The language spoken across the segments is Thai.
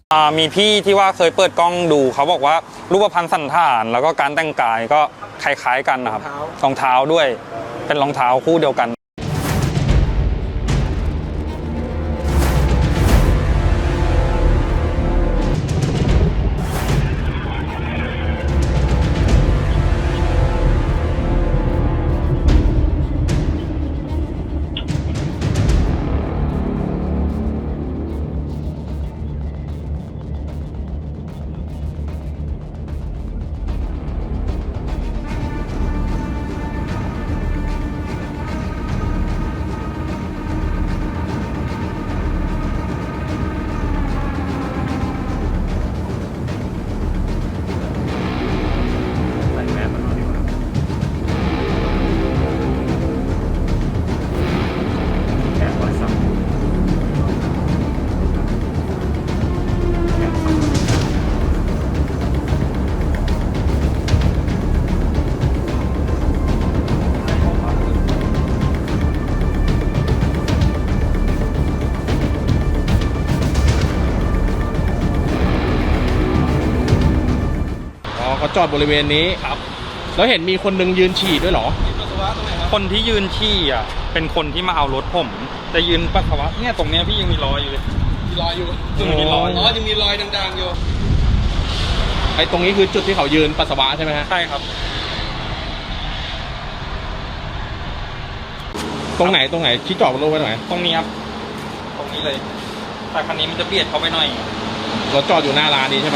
มีพี่ที่ว่าเคยเปิดกล้องดูเขาบอกว่ารูปพรรณสันฐานแล้วก็การแต่งกายก็คล้ายๆกันนะครับรองเท้าด้วยเป็นรองเท้าคู่เดียวกันเขาจอดบริเวณนี้ครับแล้วเห็นมีคนนึงยืนฉี่ด้วยเหรอคนที่ยืนฉี่อ่ะเป็นคนที่มาเอารถผมแต่ยืนปัสสาวะเนี่ยตรงเนี้ยพี่ยังมีรอยอยู่เลยมีรอยอยู่ยังมีรอยยังมีรอยดังๆอยู่ไอ้ตรงนี้คือจุดที่เขายืนปัสสาวะใช่ไหมฮะใช่ครับตรงไหนที่จอดบนรถไว้ตรงไหนตรงนี้ครับตรงนี้เลยแต่คันนี้มันจะเบียดเข้าไปหน่อยรถจอดอยู่หน้าร้านนี้ใช่ไหม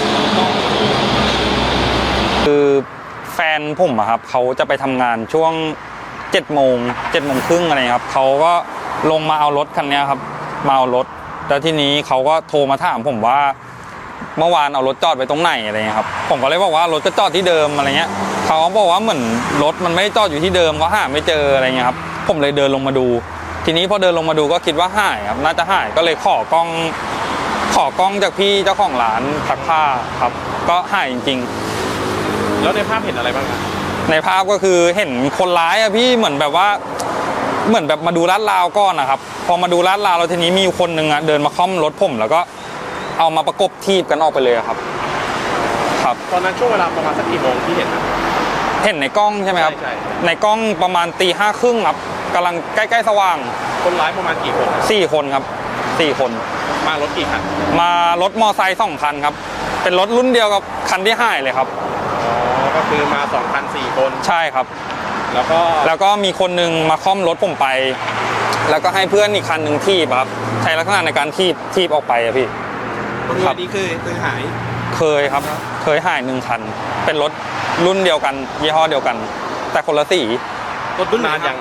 คือแฟนผมอะครับเขาจะไปทำงานช่วง7 โมงครึ่งอะไรครับเขาก็ลงมาเอารถคันนี้ครับมาเอารถแล้วทีนี้เขาก็โทรมาถามผมว่าเมื่อวานเอารถจอดไว้ตรงไหนอะไรเงี้ยครับผมก็เลยบอกว่ารถก็จอดที่เดิมอะไรเงี้ยเขาบอกว่าเหมือนรถมันไม่ได้จอดอยู่ที่เดิมเขาหาไม่เจออะไรเงี้ยครับผมเลยเดินลงมาดูทีนี้พอเดินลงมาดูก็คิดว่าหายครับน่าจะหายก็เลยขอกล้องจากพี่เจ้าของร้านซักผ้าครับก็หายจริงๆแล้วในภาพเห็นอะไรบ้างครับในภาพก็คือเห็นคนร้ายอะพี่เหมือนแบบมาดูลาดราวก่อนนะครับพอมาดูลาดราวแล้วทีนี้มีคนหนึ่งอะเดินมาค่อมรถผมแล้วก็เอามาประกบทีบกันออกไปเลยครับครับตอนนั้นช่วงเวลาประมาณสักกี่โมงที่เห็นนะเห็นในกล้องใช่ไหมครับในกล้องประมาณตี 5:30ครับกำลังใกล้ๆสว่างคนร้ายประมาณกี่คน 4 คนครับ4 คนมารถกี่คันมารถมอไซค์2 คันครับเป็นรถรุ่นเดียวกับคันที่หายเลยครับก็คือมา2 คัน 4 คนใช่ครับแล้วก็มีคนนึงมาค่อมรถผมไปแล้วก็ให้เพื่อนอีกคันหนึ่งทีบครับใช้ลักษณะในการทีบออกไปอะพี่ครับนี่คือหายเคยครับเคยหาย1 คันเป็นรถรุ่นเดียวกันยี่ห้อเดียวกันแต่คนละสีรถรุ่นนานยัง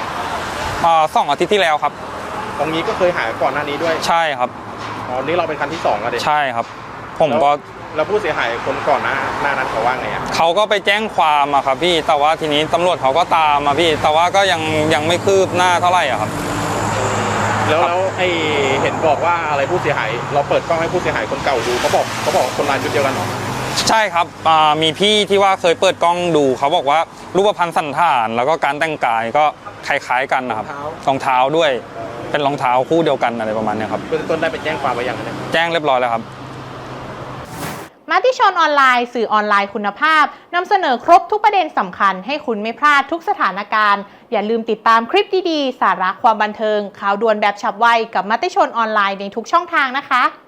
2 อาทิตย์ที่แล้วครับตรงนี้ก็เคยหายก่อนหน้านี้ด้วยใช่ครับนี่เราเป็นคันที่2แล้วดิใช่ครับผมก็แล้วผู้เสียหายคนก่อนหน้านั้นเขาว่าไงอ่ะเขาก็ไปแจ้งความอะครับพี่แต่ว่าทีนี้ตำรวจเขาก็ตามมาพี่แต่ว่าก็ยังไม่คืบหน้าเท่าไหร่อะครับแล้วไอเห็นบอกว่าอะไรผู้เสียหายเราเปิดกล้องให้ผู้เสียหายคนเก่าดูเขาบอกคนร้ายชุดเดียวกันหรอใช่ครับมีพี่ที่ว่าเคยเปิดกล้องดูเขาบอกว่ารูปพรรณสันฐานแล้วก็การแต่งกายก็คล้ายๆกันนะครับรองเท้าด้วยเป็นรองเท้าคู่เดียวกันอะไรประมาณนี้ครับเบื้องต้นได้ไปแจ้งความไว้ยังเนี่ยแจ้งเรียบร้อยแล้วครับมติชนออนไลน์สื่อออนไลน์คุณภาพนำเสนอครบทุกประเด็นสำคัญให้คุณไม่พลาดทุกสถานการณ์อย่าลืมติดตามคลิปดีๆสาระความบันเทิงข่าวด่วนแบบฉับไวกับมติชนออนไลน์ในทุกช่องทางนะคะ